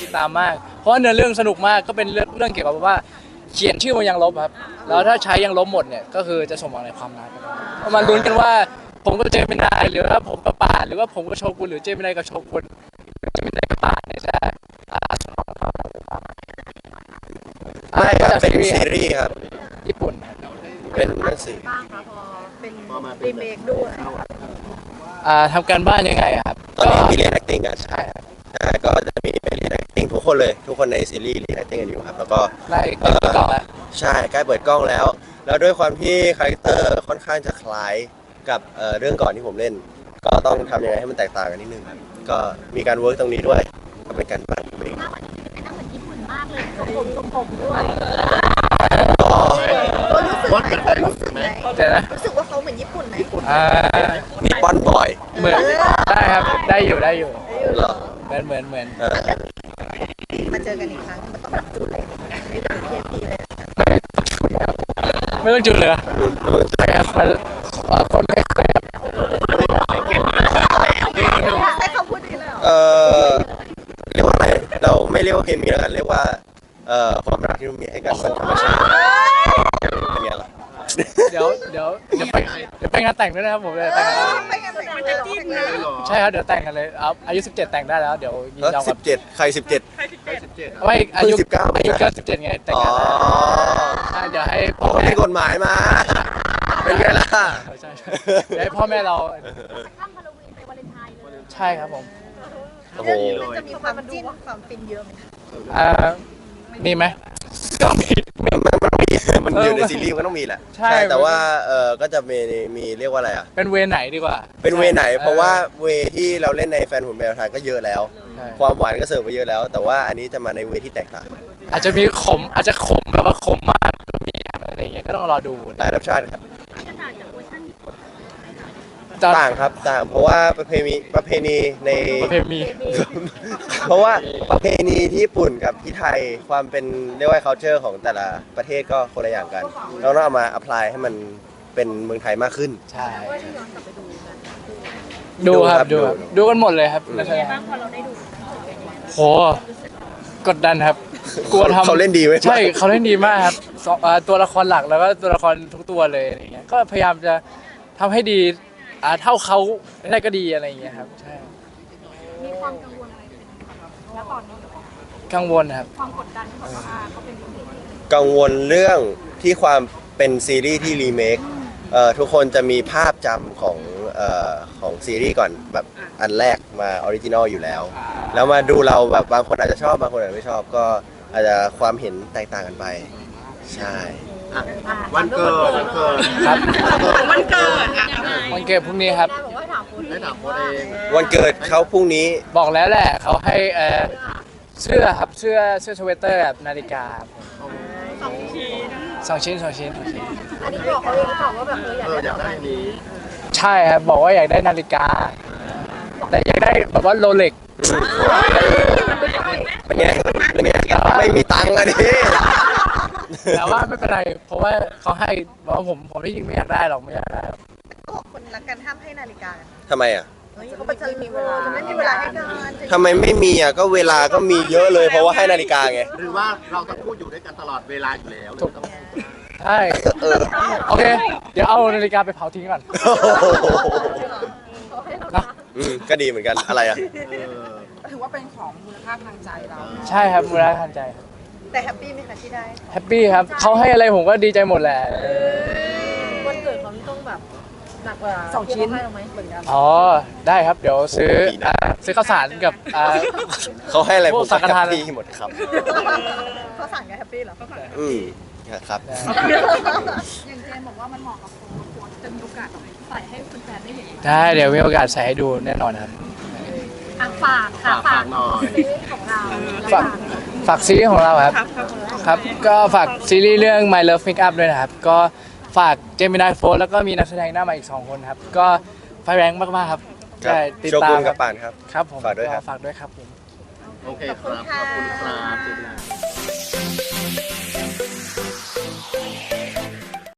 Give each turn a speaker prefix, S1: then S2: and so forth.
S1: ติดตามมากเพราะว่าเนื้อเรื่องสนุกมากก็เป็นเรื่องเกี่ยวกับว่าเขียนชื่อมันยังลบครับแล้วถ้าใช้ยังลบหมดเนี่ยก็คือจะสมหวังในความรักมาลุ้นกันว่าผมกับเจมินายหรือว่าผมกับป่านหรือว่าผมกับโชกุนหรือเจมินายกับโชกุนเจมินายกับป่านเนี่ยจะสมหวังในความรัก
S2: ไม่ครับเป็นซีรีส์ครับ
S1: ญี่ปุ่น
S2: เป็นหนังสือ
S3: บ้างคะพอเป็นรีเมคด้วย
S1: ทำการบ้านยังไงครับ
S2: ตอนนี้มีเรียน acting กัน
S1: ใช่ครับ
S2: ก็จะมีไปเรียน acting ทุกคนเลยทุกคนในซีรีส์เรียน acting กันอยู่ครับแล้วก็
S1: ได้เปิดกล้องแล้ว
S2: ใช่ใกล้เปิดกล้องแล้วด้วยความที่คาแรคเตอร์ค่อนข้างจะคล้ายกับเรื่องก่อนที่ผมเล่นก็ต้องทำยังไงให้มันแตกต่างกันนิดนึงครับก็มีการเวิร์กตรงนี้ด้วยก็เป็นการบ้านเอง
S3: มากเลยผมด้วยรู้สึกไหมรู้สึกว่าเขาเหมือนญี่ปุ่นไหม
S2: นิปปอนบอย
S1: เหมือนได้ครับได้อยู่
S2: เหรอ
S1: เหมือน
S3: มาเจอกันอีกครั้งมันต้องแบบจุดเลย
S1: ไม่ต้องจุดเลยใช่ครับคนไม่เคย
S3: ใช้คำพูดนี้เลย
S2: เรียกว่าอะไรเราไม่เรียกว่าเคมีแล้วกันเรียกว่าความรักที่เรามีให้กันมันธรรมชาติเป็นไงล่ะ
S1: เดี๋ยวไปงานแต่งด้วยนะครับผมเลยแต่ง
S3: มันจะจิ้มเลย
S1: ใช่ครับเดี๋ยวแต่งกันเลยอายุ17แต่งได้แล้วเดี๋ยวยินยอมกับ
S2: 17ใคร17
S1: ไม่อายุ
S2: 19
S1: อายุ17ไงแต่งงานใช่เดี๋ยวให้พ่อ
S2: มีกฎหมายมาเป็นไงล่ะ
S1: ใช่เดี๋ยวให้พ่อแม่เราใช่ครับผม
S2: โอ้โห
S3: มันจะมีความจิ้นความฟินเยอะไหม
S1: มีไหม
S2: มันอยู่ในซีรีส์มันต้องมีแหละใช่แต่ว่าก็จะมีเรียกว่าอะไรอ่ะ
S1: เป็นเวไหนดีกว่า
S2: เป็นเวไหนเพราะว่าเวที่เราเล่นในแฟนหุ่นแมวไทยก็เยอะแล้วความหวานก็เสิร์ฟไปเยอะแล้วแต่ว่าอันนี้จะมาในเวที่แตกต่าง
S1: อาจจะมีอาจจะขมแบบว่าขมมากก็มีอะไรอย่างเงี้ยก็ต้องรอดู
S2: หลายรสชาติครับต่างครับต่างเพราะว่าประเพณีในเพราะว่าประเพณีที่ญี่ปุ่นกับที่ไทยความเป็นเรียกว่า culture ของแต่ละประเทศก็คนละอย่างกันเราต้องเอามา apply ให้มันเป็นเมืองไทยมากขึ้น
S1: ใช่ดูครับดูกันหมดเลยครับ
S3: บ้างพอเราได้ดู
S1: โหกดดันครับกลัวทำ
S2: เขาเล่นดีไหม
S1: ใช่เขาเล่นดีมากครับตัวละครหลักแล้วก็ตัวละครทุกตัวเลยอะไรเงี้ยก็พยายามจะทำให้ดีเท่าเขาได้ก็ดีอะไรอย่างเงี้ยครับใช่
S3: มีความกังวลอะไรแล้วตอนนี้
S1: กังวลครับ
S3: ความกดดันที่บอกว่าเขาเป็น
S2: กังวลเรื่องที่ความเป็นซีรีส์ที่รีเมคทุกคนจะมีภาพจำของซีรีส์ก่อนแบบอันแรกมาออริจินอลอยู่แล้วแล้วมาดูเราแบบบางคนอาจจะชอบบางคนอาจจะไม่ชอบก็อาจจะความเห็นแตกต่างกันไปใช่
S4: วันเกิด
S1: ครับ
S3: วันเกิด
S1: วันเกิดพรุ่งนี้ครับ
S4: ได้ถามโค้ดเอง
S2: วันเกิดเขาพรุ่งนี้
S1: บอกแล้วแหละเขาให้เสื้อครับเสื้อสเวตเตอร์แบบนาฬิกา2 ชิ้น
S3: อันนี้บอกเขาเองหรือเปล่าว่าแบบ
S4: อยากได้นี้
S1: ใช่ครับบอกว่าอยากได้นาฬิกาแต่อยากได้แบบว่าโรเล็ก
S2: เป็นไงไม่มีตังค์อะดิ
S1: แต่ว่าไม่เป็นไรเพราะว่าเขาให้บอกว่าผมที่จริงไม่อยากได้หรอกไม่อยากได้
S3: ก็คนรักกันห้ามให้นาฬิกา
S2: ทำไมอ่ะ
S3: เขาจะมีเวลาจะไม่มีเวลาให้กัน
S2: ทำไมไม่มีอ่ะก็เวลาก็มีเยอะเลยเพราะว่าให้นาฬิกาไง
S4: หรือว่าเราต้องพูดอยู่ด้วยกันตลอดเวลาอยู่แล้ว
S1: ใช่โอเคเดี๋ยวเอานาฬิกาไปเผาทิ้งก่อน
S2: นะก็ดีเหมือนกันอะไรอ่ะ
S3: ถือว่าเป็นของมูลค่าทางใจเรา
S1: ใช่ครับมูลค่าทางใจ
S3: แต่แฮปปี้ไหมคะที่ได้
S1: แฮปปี้ครับเขาให้อะไรผมก็ดีใจหมดแหละ
S3: วันเกิดเขาต้องแบบหนักกว่า2 ชิ้นให้เราไหมเหมือนกัน
S1: อ๋อได้ครับเดี๋ยวซื้อข้าวสารกับ
S2: เขาให้อะไรผมสังฆทานที่หมดครับ
S3: ข้าวสารกับแฮปปี้เหรอ
S2: ครับ
S3: อย่างเจมบอกว่ามันเหมาะกับโค้ดจะมีโอกาสใส่ให้แฟนได้เห็น
S1: ได้เดี๋ยวมีโอกาสใส่ให้ดูแน่นอนครับ
S3: ฝากหน่อยซีรีส์ของเรา
S1: ฝากซีรีส์ของเราครับก็ฝากซีรีส์เรื่อง My Love Make Up ด้วยนะครับก็ฝากเจมินายโฟร์แล้วก็มีนักแสดงหน้าใหม่อีก2 คนครับก็ไฟแรงมากๆครับ
S2: ใช่ติดตามกับป่านครับ
S1: ครับผม
S2: ฝากด้วยครับ
S1: ฝากด้วยครับผม
S4: โอเคครับขอบคุณครับ